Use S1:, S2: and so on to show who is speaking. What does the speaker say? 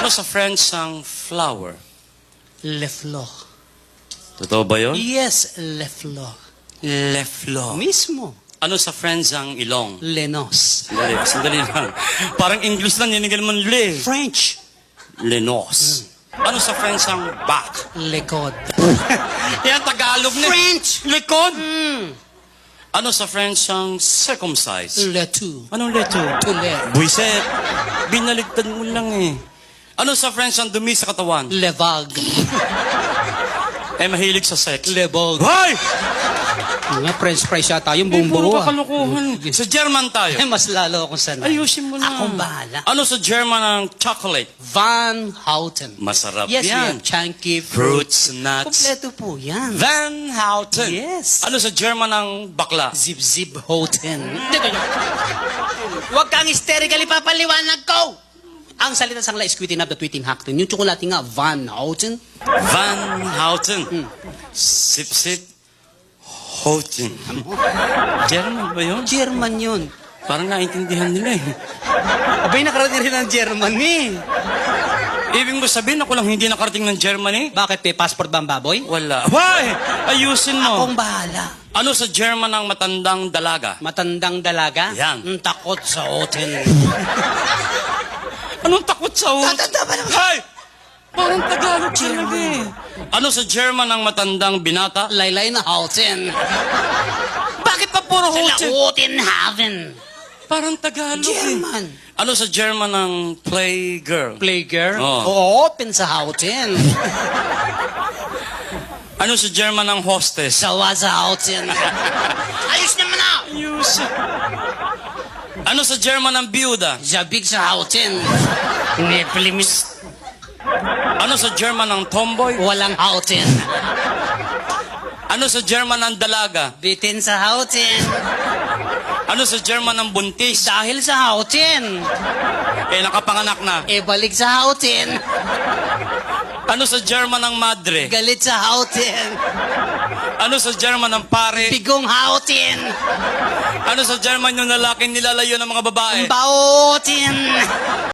S1: Ano sa French ang flower?
S2: Le fleur.
S1: Totoo ba yun?
S2: Yes, le fleur.
S1: Le fleur.
S2: Mismo.
S1: Ano sa French ang ilong?
S2: Lenos.
S1: Sandali lang. Parang English lang, yun mo le.
S2: French.
S1: Lenos. Ano sa French ang back?
S2: Lekod.
S1: Yan, Tagalog na.
S2: French.
S1: Likod. Ano sa French ang circumcise?
S2: Le tout.
S1: Anong leto?
S2: Tule.
S1: Buiset. Binaligtad mo lang eh. Ano sa French ang dumi sa katawan?
S2: Le vague.
S1: Mahilig sa sex.
S2: Le vogue.
S1: Hoy!
S2: Mga French fries yata yung buong
S1: Puro
S2: buo.
S1: ka kalukuhan. Sa German tayo.
S2: Mas lalo akong sanay.
S1: Ayusin mo na.
S2: Akong bahala.
S1: Ano sa German ang chocolate?
S2: Van Houten.
S1: Masarap
S2: Yes,
S1: yan.
S2: Chunky
S1: Fruits, nuts.
S2: Kompleto po yan.
S1: Van Houten.
S2: Yes.
S1: Ano sa German ang bakla?
S2: Zip-zip Houten. Huwag kang hysterically papaliwanag ko! Ang salita sang la is quitting up the tweeting hackton. Yung tsokolate nga, Van Houten.
S1: Van Houten. Sip-sip. Houten. German ba yun?
S2: German yun.
S1: Parang naintindihan nila eh.
S2: Abay, nakarating rin ng Germany.
S1: Ibig mo sabihin ako lang hindi nakarating ng Germany?
S2: Bakit, may passport ba ang baboy?
S1: Wala. Why? Ayusin mo.
S2: Akong bahala.
S1: Ano sa German ang matandang dalaga?
S2: Matandang dalaga?
S1: Yan.
S2: Ang takot sa Houten.
S1: Anong takot sa
S2: Tatanda ba naman?
S1: Hey! Parang Tagalog talaga eh. Ano sa German ang matandang binata?
S2: Laylay na Houten.
S1: Bakit pa puro
S2: Sila
S1: Houten?
S2: Houten Haven.
S1: Parang Tagalog
S2: German.
S1: eh. Ano sa German ang playgirl?
S2: Playgirl?
S1: Oh.
S2: Open sa Houten.
S1: Ano sa German ang hostess?
S2: Sawa sa Houten. Ayos naman na!
S1: Ayus. Ano sa German ang byuda?
S2: Zabig sa Houten. Neplimis.
S1: Ano sa German ang tomboy?
S2: Walang Houten.
S1: Ano sa German ang dalaga?
S2: Bitin sa Houten.
S1: Ano sa German ang buntis?
S2: Dahil sa Houten.
S1: Nakapanganak na.
S2: Balik sa Houten.
S1: Ano sa German ang madre?
S2: Galit sa Houten.
S1: Ano sa German ang pare?
S2: Bigong Houten.
S1: Ano sa German yung lalaking nilalayo ng mga babae?
S2: Bautin.